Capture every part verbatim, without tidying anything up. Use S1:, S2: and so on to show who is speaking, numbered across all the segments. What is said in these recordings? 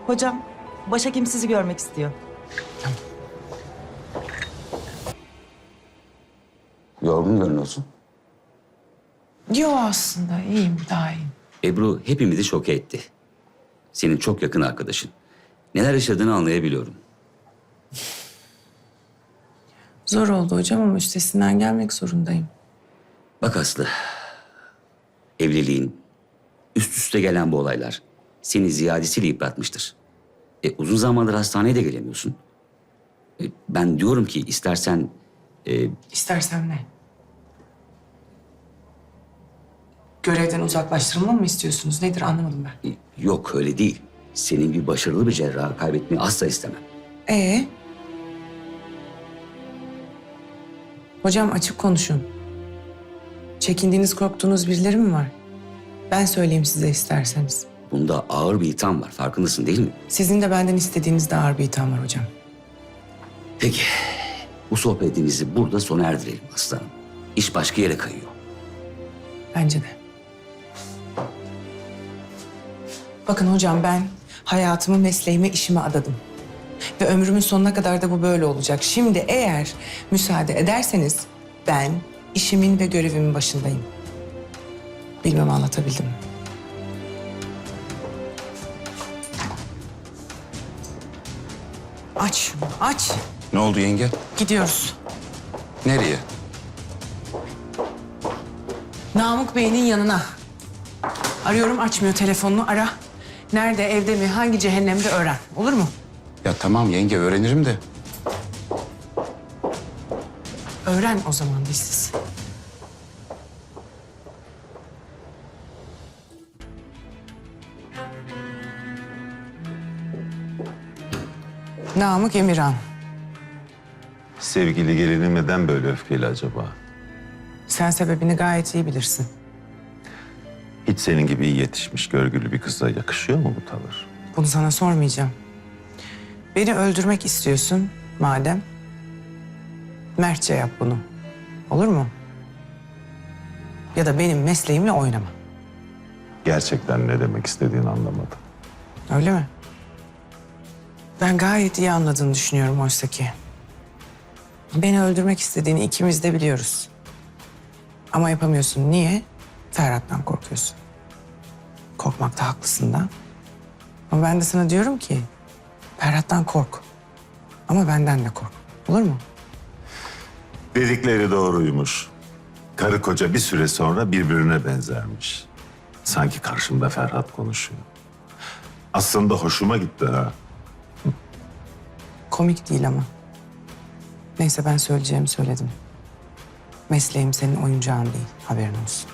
S1: Hocam, başhekim sizi görmek istiyor.
S2: Yorgun görünüyorsun.
S3: Yo aslında iyiyim, daha iyiyim.
S2: Ebru hepimizi şok etti. Senin çok yakın arkadaşın. Neler yaşadığını anlayabiliyorum.
S3: Zor oldu hocam ama üstesinden gelmek zorundayım.
S2: Bak Aslı, evliliğin, üst üste gelen bu olaylar seni ziyadesiyle yıpratmıştır. E, uzun zamandır hastaneye de gelemiyorsun. E, ben diyorum ki istersen... E,
S3: İstersem ne? Görevden uzaklaştırılmamı mı istiyorsunuz? Nedir anlamadım ben.
S2: e, yok öyle değil. Senin bir başarılı bir cerrahı kaybetmeyi asla istemem.
S3: Ee? Hocam açık konuşun. Çekindiğiniz, korktuğunuz birileri mi var? Ben söyleyeyim size isterseniz.
S2: Bunda ağır bir itham var, farkındasın değil mi?
S3: Sizin de benden istediğiniz de ağır bir itham var hocam.
S2: Peki, bu sohbetimizi burada sona erdirelim aslanım. İş başka yere kayıyor.
S3: Bence de. Bakın hocam ben hayatımı, mesleğime, işime adadım. Ve ömrümün sonuna kadar da bu böyle olacak. Şimdi eğer müsaade ederseniz ben işimin ve görevimin başındayım. Bilmem anlatabildim mi? Aç şunu, aç.
S4: Ne oldu yenge?
S3: Gidiyoruz.
S4: Nereye?
S3: Namık Bey'in yanına. Arıyorum, açmıyor telefonunu. Ara. Nerede, evde mi, hangi cehennemde öğren. Olur mu?
S4: Ya tamam yenge öğrenirim de.
S3: Öğren o zaman bizsiz. Namık Emirhan.
S5: Sevgili gelinim neden böyle öfkeli acaba?
S3: Sen sebebini gayet iyi bilirsin.
S5: Hiç senin gibi iyi yetişmiş, görgülü bir kıza yakışıyor mu bu tavır?
S3: Bunu sana sormayacağım. Beni öldürmek istiyorsun madem. Mertçe yap bunu. Olur mu? Ya da benim mesleğimle oynama.
S5: Gerçekten ne demek istediğini anlamadım.
S3: Öyle mi? Ben gayet iyi anladığını düşünüyorum oysa ki. Beni öldürmek istediğini ikimiz de biliyoruz. Ama yapamıyorsun. Niye? Ferhat'tan korkuyorsun. Korkmakta haklısın da. Ama ben de sana diyorum ki Ferhat'tan kork. Ama benden de kork. Olur mu?
S5: Dedikleri doğruymuş. Karı koca bir süre sonra birbirine benzermiş. Sanki karşımda Ferhat konuşuyor. Aslında hoşuma gitti ha.
S3: Komik değil ama. Neyse ben söyleyeceğimi söyledim. Mesleğim senin oyuncağın değil. Haberin olsun.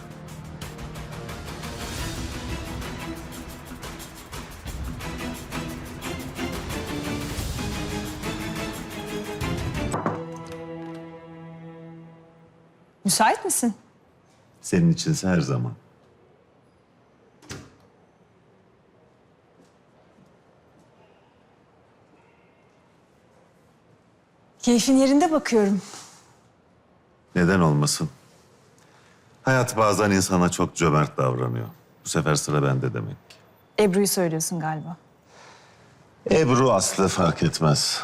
S6: Müsait misin?
S5: Senin içinse her zaman.
S6: Keyfin yerinde bakıyorum.
S5: Neden olmasın? Hayat bazen insana çok cömert davranıyor. Bu sefer sıra bende demek ki.
S6: Ebru'yu söylüyorsun galiba.
S5: Ebru Aslı fark etmez.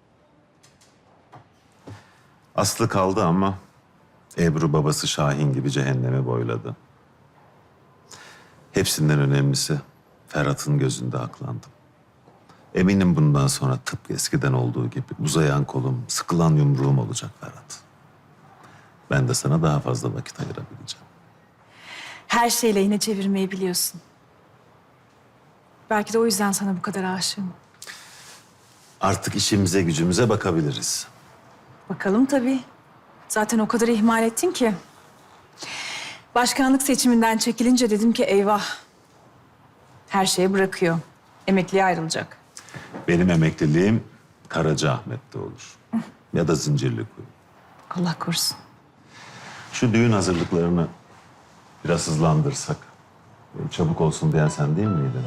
S5: Aslı kaldı ama Ebru babası Şahin gibi cehennemi boyladı. Hepsinden önemlisi Ferhat'ın gözünde aklandım. Eminim bundan sonra tıpkı eskiden olduğu gibi uzayan kolum, sıkılan yumruğum olacak Ferhat. Ben de sana daha fazla vakit ayırabileceğim.
S6: Her şeyle yine çevirmeyi biliyorsun. Belki de o yüzden sana bu kadar aşığım.
S5: Artık işimize gücümüze bakabiliriz.
S6: Bakalım tabii. Zaten o kadar ihmal ettin ki. Başkanlık seçiminden çekilince dedim ki eyvah. Her şeyi bırakıyor. Emekliye ayrılacak.
S5: Benim emekliliğim Karacaahmet'te olur. Ya da Zincirlikuyu.
S6: Allah korusun.
S5: Şu düğün hazırlıklarını biraz hızlandırsak. Çabuk olsun diyen sen değil miydin?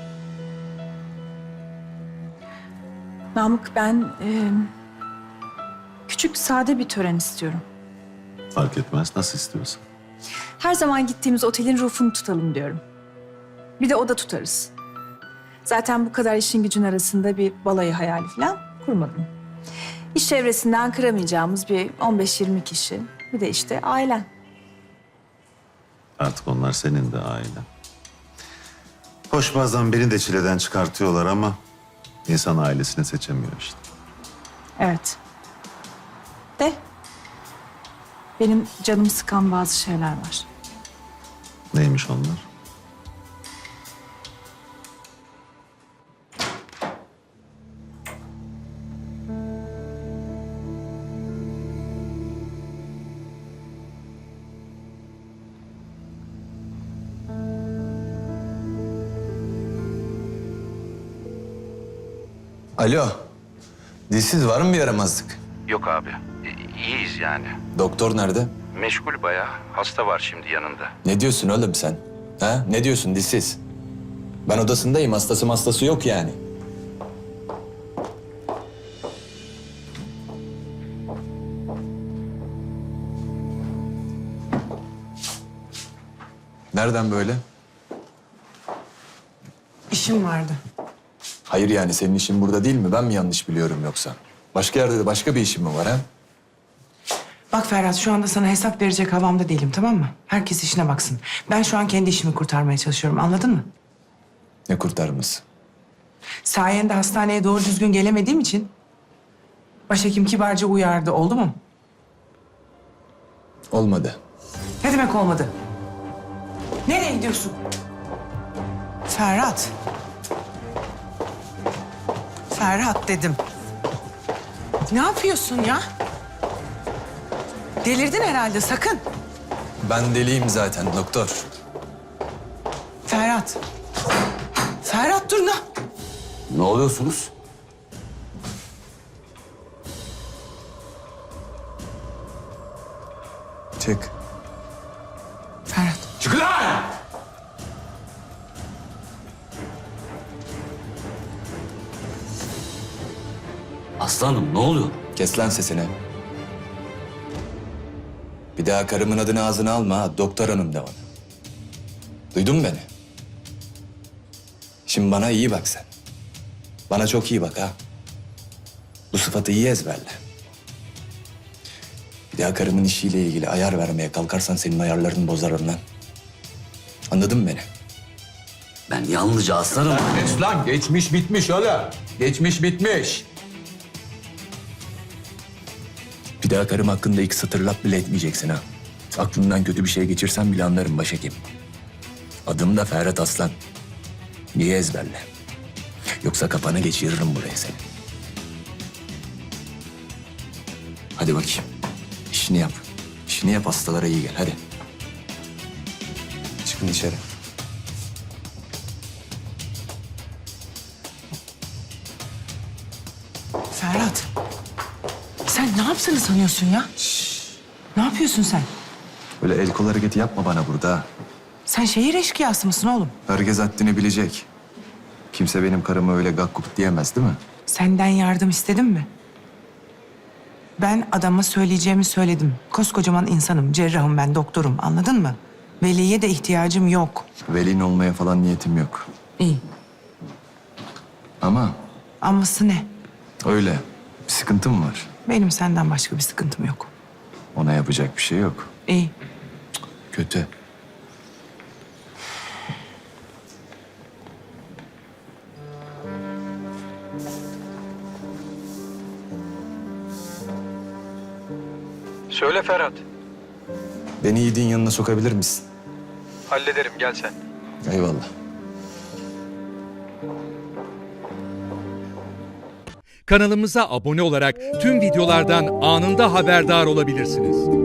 S6: Namık ben e, küçük sade bir tören istiyorum.
S5: Fark etmez, nasıl istiyorsan.
S6: Her zaman gittiğimiz otelin rufunu tutalım diyorum. Bir de oda tutarız. Zaten bu kadar işin gücün arasında bir balayı hayali falan kurmadım. İş çevresinden kıramayacağımız bir on beş yirmi kişi. Bir de işte ailen.
S5: Artık onlar senin de ailen. Hoş bazen beni de çileden çıkartıyorlar ama insan ailesini seçemiyor işte.
S6: Evet. De benim canımı sıkan bazı şeyler var.
S5: Neymiş onlar?
S7: Alo. Dilsiz var mı bir yaramazlık?
S8: Yok abi. İ- İyiyiz yani.
S7: Doktor nerede?
S8: Meşgul bayağı. Hasta var şimdi yanında.
S7: Ne diyorsun oğlum sen? Ha? Ne diyorsun dilsiz? Ben odasındayım. Hastası hastası yok yani. Nereden böyle?
S3: İşim vardı.
S7: Hayır yani senin işin burada değil mi? Ben mi yanlış biliyorum yoksa? Başka yerde de başka bir işin mi var ha?
S3: Bak Ferhat, şu anda sana hesap verecek havamda değilim, tamam mı? Herkes işine baksın. Ben şu an kendi işimi kurtarmaya çalışıyorum, anladın mı?
S7: Ne kurtarması?
S3: Sayende hastaneye doğru düzgün gelemediğim için başhekim kibarca uyardı, oldu mu?
S7: Olmadı.
S3: Ne demek olmadı? Nereye gidiyorsun? Ferhat. Ferhat dedim. Ne yapıyorsun ya? Delirdin herhalde, sakın.
S7: Ben deliyim zaten doktor.
S3: Ferhat. Ferhat dur ne?
S2: Ne oluyorsunuz?
S7: Çık.
S3: Ferhat.
S7: Çık lan!
S2: Aslanım ne oluyor?
S7: Kes lan sesini. Bir daha karımın adını ağzına alma ha. Doktor hanım de ona. Duydun mu beni? Şimdi bana iyi bak sen. Bana çok iyi bak ha. Bu sıfatı iyi ezberle. Bir daha karımın işiyle ilgili ayar vermeye kalkarsan senin ayarlarını bozarım lan. Anladın mı beni?
S2: Ben yalnızca aslanım.
S7: Geç lan. Geçmiş bitmiş oğlum. Geçmiş bitmiş. Bir daha karım hakkında iki satır laf bile etmeyeceksin ha. Aklından kötü bir şey geçirsen bile anlarım başhekim. Adım da Ferhat Aslan. Niye ezberle? Yoksa kafana geçiririm buraya seni. Hadi bakayım. İşini yap. İşini yap, hastalara iyi gel. Hadi. Çıkın dışarı.
S3: Ferhat. Sen ne yaptığını sanıyorsun ya? Ne yapıyorsun sen?
S7: Öyle el kol hareketi yapma bana burada ha.
S3: Sen şehir eşkıyası mısın oğlum?
S7: Herkes haddini bilecek. Kimse benim karıma öyle gakkuk diyemez değil mi?
S3: Senden yardım istedim mi? Ben adama söyleyeceğimi söyledim. Koskocaman insanım, cerrahım ben, doktorum. Anladın mı? Veliye de ihtiyacım yok.
S7: Velin olmaya falan niyetim yok.
S3: İyi.
S7: Ama
S3: Aması ne?
S7: öyle. Bir sıkıntım var.
S3: Benim senden başka bir sıkıntım yok.
S7: Ona yapacak bir şey yok.
S3: İyi.
S7: Kötü.
S9: Söyle Ferhat.
S7: Beni Yiğit'in yanına sokabilir misin?
S9: Hallederim, gel sen.
S7: Eyvallah.
S10: Kanalımıza abone olarak tüm videolardan anında haberdar olabilirsiniz.